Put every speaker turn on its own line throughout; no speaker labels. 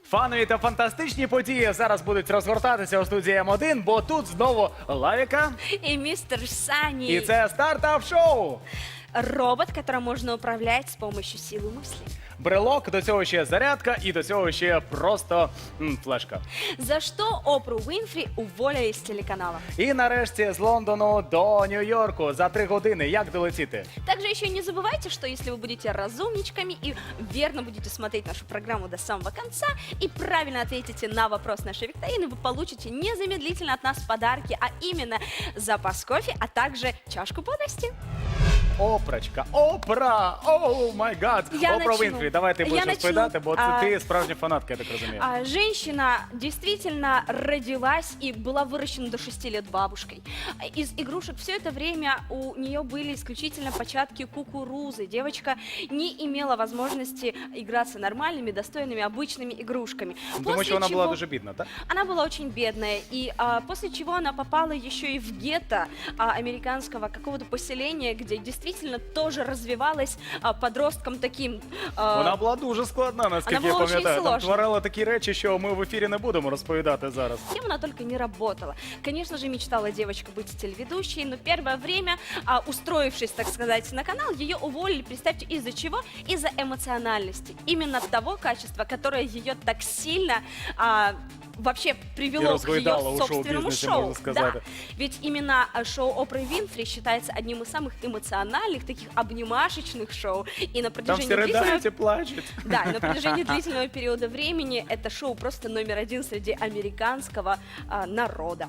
Фанові та фантастичні події зараз будуть розгортатися у студії М1, бо тут знову Лавіка.
И мистер Сани.
І це стартап-шоу.
Робот, которым можно управлять с помощью силы мысли.
Брелок, до цього ще зарядка і до цього ще просто флешка.
За что Опру Уинфри уволили с телеканала.
І нарешті з Лондону до Нью-Йорку за 3 години. Як долетіти?
Также еще не забывайте, что если вы будете разумничками и верно будете смотреть нашу программу до самого конца и правильно ответите на вопрос нашей викторины, вы получите незамедлительно от нас подарки, а именно запас кофе, а также чашку бодрости.
Опрачка, Опра, оу май гад.
Я
Опра
начну.
Вінфрі, давай ти
Я
будеш
начну.
розповідати, бо це ти справжня фанатка, я так розумію.
Женщина действительно родилась и была выращена до 6 лет бабушкой. Из игрушек все это время у нее были исключительно початки кукурузы. Девочка не имела возможности играться нормальными, достойными, обычными игрушками.
Тому що вона була дуже бідна, так?
Она была очень бедная, и после чего она попала еще и в гетто американского какого-то поселения, где действительно тоже развивалась подростком таким.
Вона була дуже складна, наскільки
Вона
я
була очень
пам'ятаю. Там
сложна.
творила такі речі, що ми в ефірі не будемо розповідати зараз.
Кем она только не работала. Конечно же, мечтала девочка быть телеведущей, но первое время, устроившись, так сказать, на канал, ее уволили, представьте, из-за чего? Из-за эмоциональности. Именно того качества, которое ее так сильно вообще
И
привело к
разгойдало
ее
у
собственному
шоу-бизнесе,
шоу.
можно сказать.
Да. Ведь именно шоу Опры Винфри считается одним из самых эмоциональных, таких обнимашечных шоу. И на
Там
протяжении
всі
длительного...
ридають і плачуть.
Да, и на протяжении длительного периода времени это шоу просто номер один среди американского народа.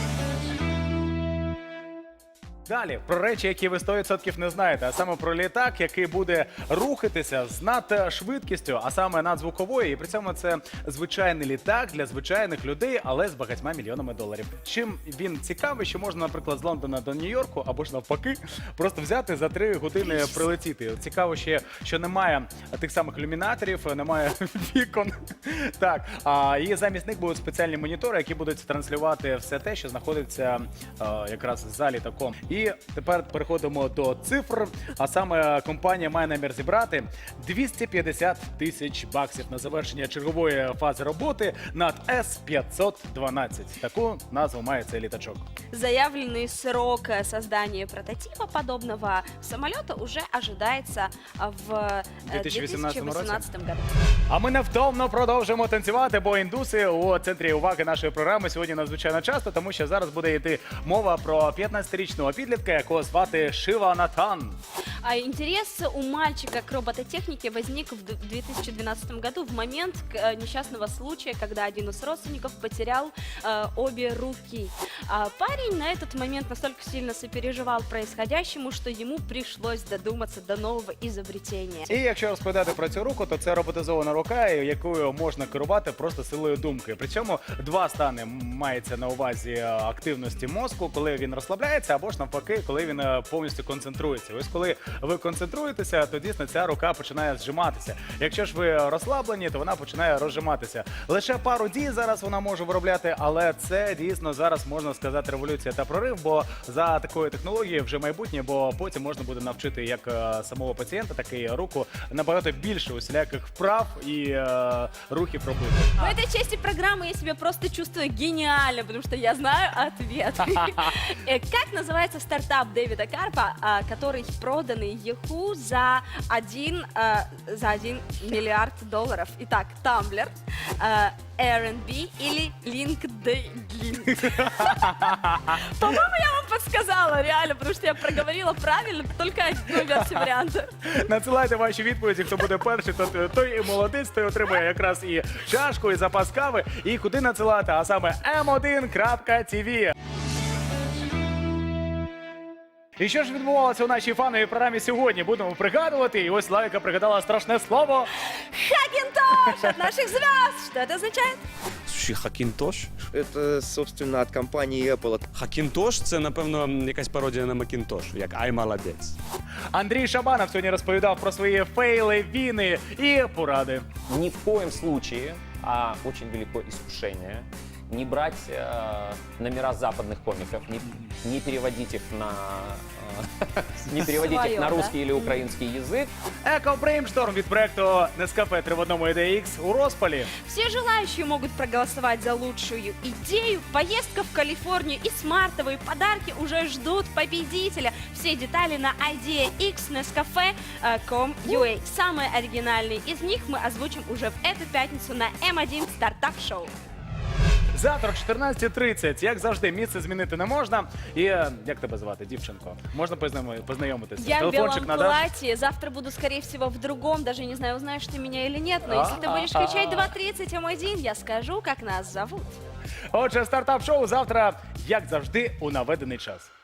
Далі, про речі, які ви 100% не знаєте, а саме про літак, який буде рухатися з надшвидкістю, а саме надзвуковою, і при цьому це звичайний літак для звичайних людей, але з багатьма мільйонами доларів. Чим він цікавий, що можна, наприклад, з Лондона до Нью-Йорку, або ж навпаки, просто взяти за 3 години прилетіти. Цікаво ще, що немає тих самих ілюмінаторів, немає вікон. Так, і замість них будуть спеціальні монітори, які будуть транслювати все те, що знаходиться якраз за літаком. І тепер переходимо до цифр, а саме компанія має намір зібрати 250 тисяч баксів на завершення чергової фази роботи над С-512. Таку назву має цей літачок.
Заявленный срок создания прототипа подобного самолета уже ожидается в 2018 году.
А ми невтомно продовжуємо танцювати, бо індуси у центрі уваги нашої програми сьогодні надзвичайно часто, тому що зараз буде йти мова про 15-річного підлітка, якого звати Шива Натан.
Интерес у мальчика к робототехнике возник в 2012 году в момент несчастного случая, когда один из родственников потерял обе руки. Парень на этот момент настолько сильно сопереживал происходящему, что ему пришлось додуматься до нового изобретения.
І якщо розповідати про цю руку, то це роботизована рука, якою можна керувати просто силою думки. Причому два стани мається на увазі активності мозку, коли він розслабляється, або ж навпаки, коли він повністю концентрується. Ось коли ви концентруєтеся, то дійсно ця рука починає зжиматися. Якщо ж ви розслаблені, то вона починає розжиматися. Лише пару дій зараз вона може виробляти, але це дійсно зараз можна сказати революція та прорив, бо за такою технологією вже майбутнє, бо потім можна буде навчити як самого пацієнта, так і руку набагато більше усіляких вправ і рухів робити.
В этой части программы я себя просто чувствую гениально, потому что я знаю ответ. Как называется стартап Дэвида Карпа, который проданный Yahoo за 1 миллиард долларов? Итак, Tumblr, Airbnb или LinkedIn? По-моему, я вам подсказала, реально, потому что я проговорила правильно только одну версию варианта.
Надсилайте ваші відповіді, хто буде перший, той і молодець, той отримує якраз і чашку, і запас кави. І куди надсилати, а саме m1.tv. І що ж відбувалося у нашій фановій програмі сьогодні? Будемо пригадувати. І ось Лавіка пригадала страшне слово.
Хакинтош от наших звезд. Что это означает?
Слушай, Хакінтош?
Это, собственно, от компании Apple.
Хакінтош – це, напевно, якась пародія на Макінтош, як «Ай, молодець».
Андрій Шабанов сьогодні розповідав про свої фейли, війни і поради.
Ни в коем случае, а очень велико искушение, не брать номера западных комиков, не переводить их на не переводить их
Своё,
на
да?
русский или украинский язык.
Еко-брейншторм від проекту Nescafe 3 в одному IDX у розпалі.
Все желающие могут проголосовать за лучшую идею. Поездка в Калифорнию и смартовые подарки уже ждут победителя. Все детали на ideax.nescafe.com.ua. Самые оригинальные из них мы озвучим уже в эту пятницу на М1 стартап-шоу.
Завтра о 14:30, як завжди, місце змінити не можна. І як тебе звати, дівчинко? Можна познайомитися?
Я в белом
Телефончик надаш?
платье. Завтра буду, скорее всего, в другом. Даже не знаю, узнаешь ты меня или нет. Но если ты будешь включать 2:30 М1, я скажу, как нас зовут.
Отже, стартап-шоу завтра, як завжди, у наведений час.